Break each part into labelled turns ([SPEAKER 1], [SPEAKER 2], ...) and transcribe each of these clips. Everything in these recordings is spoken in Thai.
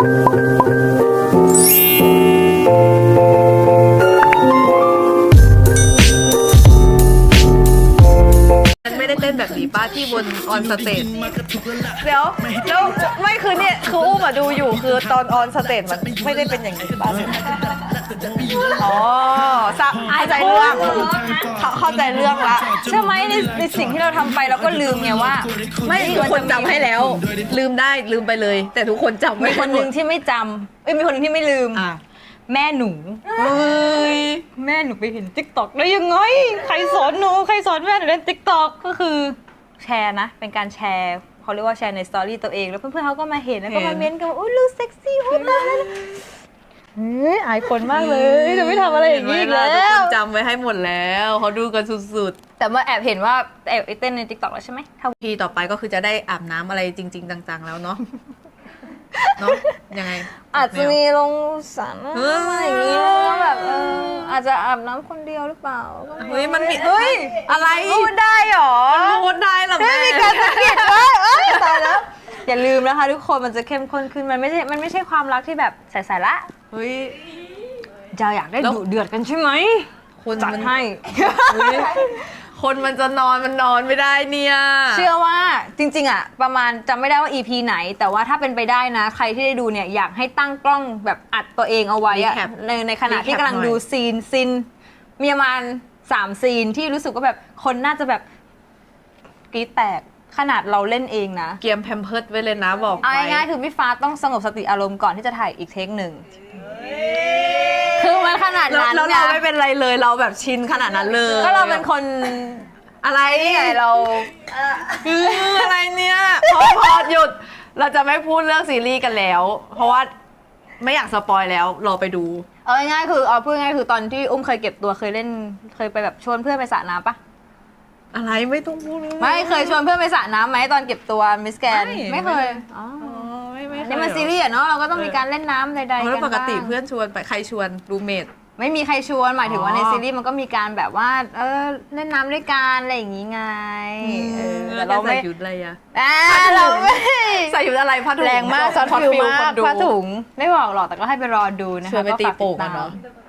[SPEAKER 1] ไม่ได้เต้นแบบนี้ป้าที่บนออนสเตจ
[SPEAKER 2] เดี๋ยวแล้วไม่คือเนี่ยคืออุ้มอะดูอยู่คือตอนออนสเตจมันไม่ได้เป็นอย่างนี้ป่ะอ๋อเข้าใจเรื่องเข้าใจเรื่องละ
[SPEAKER 3] ใช่ไหมในสิ่งที่เราทำไปเราก็ลืมไงว่า
[SPEAKER 1] ไม่ทุกคนจำให้แล้ว ลืมได้ลืมไปเลย แต่ทุกคนจำ
[SPEAKER 3] มี
[SPEAKER 1] ไม่
[SPEAKER 3] คนหนึ่งที่ไม่จำมีคนหนึ่งที่ไม่ลืม
[SPEAKER 1] อ่ะ
[SPEAKER 3] แม่หนู
[SPEAKER 1] เฮ้ย
[SPEAKER 3] แม่หนูไปเห็นติ๊กต็อกได้ยังไงใครสอนหนูใครสอนแม่หนูเล่นติ๊กต็อกก็คือแชร์นะเป็นการแชร์เขาเรียกว่าแชร์ในสตอรี่ตัวเองแล้วเพื่อนๆเขาก็มาเห็นแล้วก็มาเม้นต์กันว่าอุ้ยลูกเซ็กซี่อุ้ยตายแล้วเฮ้ยอายคนมากเลยจะไม่ทำอะไรอย่างนี้อีกแล้
[SPEAKER 1] ทุกค
[SPEAKER 3] วน
[SPEAKER 1] จำไว้ให้หมดแล้วเขาดูกันสุด
[SPEAKER 3] แต่มาแอบเห็นว่าแอบเต้นในติ๊กต็อกแล้วใช่ไหม
[SPEAKER 1] ๆทีต่อไปก็คือจะได้อาบน้ำอะไรจริง ๆ จังๆแล้วเนาะเนาะยังไง
[SPEAKER 3] อาจจะมีลงสระอะไรอย่างนี้แล้วแบบอาจจะอาบน้ำคนเดียวหรือเปล่า
[SPEAKER 1] เฮ้ยมันมี
[SPEAKER 3] เฮ้ย
[SPEAKER 1] อะไร
[SPEAKER 3] พูดได้หรอ
[SPEAKER 1] พูดได้เหรอแม่
[SPEAKER 3] มีการสังเกตว่าตายแล้วอย่าลืมนะคะทุกคนมันจะเข้มข้นขึ้นมันไม่ใช่ความรักที่แบบใสๆละ
[SPEAKER 1] เฮ้ย
[SPEAKER 3] จะอยากได้ดุเดือดกันใช่ไหม
[SPEAKER 1] คน
[SPEAKER 3] จัด
[SPEAKER 1] มัน
[SPEAKER 3] ให้
[SPEAKER 1] เฮ้ยคนมันจะนอนมันนอนไม่ได้เนี่ย
[SPEAKER 3] เชื่อว่าจริงๆอ่ะประมาณจำไม่ได้ว่า EP ไหน แต่ว่าถ้าเป็นไปได้นะ ใครที่ได้ดูเนี่ยอยากให้ตั้งกล้องแบบอัดตัวเองเอาไว้อะในขณะที่กำลังดูซีนมีประมาณ3 ซีนที่รู้สึกว่าแบบคนน่าจะแบบกรี๊ดแตกขนาดเราเล่นเองนะ
[SPEAKER 1] เกียมแพมเพิร์ดไว้เลยนะบอก
[SPEAKER 3] เอา
[SPEAKER 1] ไว้
[SPEAKER 3] ง่ายๆคือพี่ฟ้าต้องสงบสติอารมณ์ก่อนที่จะถ่ายอีกเทคหนึ่งคือมันขนาดนั้น
[SPEAKER 1] แล้วเราไม่เป็นไรเลยเราแบบชินขนาดนั้นเลย
[SPEAKER 3] ก็เราเป็นคน
[SPEAKER 1] อะไร
[SPEAKER 3] นี่ไงเรา
[SPEAKER 1] อะไรเนี่ยพอหยุดเราจะไม่พูดเรื่องซีรีส์กันแล้ว เพราะว่าไม่อยากสปอยแล้วรอไปดู
[SPEAKER 3] เอาง่ายๆคือเอาพูดง่ายๆคือตอนที่อุ้มเคยเก็บตัวเคยไปแบบชวนเพื่อนไปสระน้ำปะ
[SPEAKER 1] อะไรไม่ต้องพูด
[SPEAKER 3] ไม่เคยชวนเพื่อนไปสระน้ำไหมตอนเก็บตัวมิสแกน
[SPEAKER 1] ไม่
[SPEAKER 3] ไม่เคยอ๋อ
[SPEAKER 1] ไม่เคย
[SPEAKER 3] นี่มันซีรีส์อะเนาะเราก็ต้องมีการเล่นน้ำใดๆกัน
[SPEAKER 1] แล้วปกติ
[SPEAKER 3] บ้าง
[SPEAKER 1] เพื่อนชวนไปใครชวนรูเมท
[SPEAKER 3] ไม่มีใครชวนหมายถึงว่า
[SPEAKER 1] อ๋อ
[SPEAKER 3] ในซีรีส์มันก็มีการแบบว่าเล่นน้ำด้วยกันอะไรอย่างงี้ไงแต่
[SPEAKER 1] เรา
[SPEAKER 3] เรา
[SPEAKER 1] ใส่
[SPEAKER 3] ไม่
[SPEAKER 1] ชุดอะไรอะ
[SPEAKER 3] เราไม่
[SPEAKER 1] ใส่ชุดอะไรผ้าถุง
[SPEAKER 3] แรงมากซอฟ
[SPEAKER 1] ช็อต
[SPEAKER 3] ฟิล
[SPEAKER 1] ฟิล
[SPEAKER 3] มาก
[SPEAKER 1] คนดู
[SPEAKER 3] ผ้าถุงไม่บอกหรอกแต่ก็ให้ไปรอดูนะคะ
[SPEAKER 1] ชวนไปตีโป่งกันเนาะ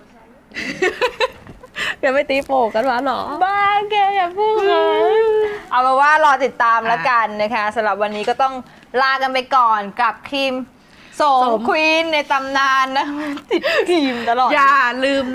[SPEAKER 1] อย่าไปตีโป่งกันวะหรอ
[SPEAKER 3] บ้าแกอย่าพูดเลยเอาเป็นว่ารอติดตามแล้วกันนะคะสำหรับวันนี้ก็ต้องลากันไปก่อนกับครีมโสมควีนในตำนานนะติดครีมตลอด
[SPEAKER 1] อย่าลืม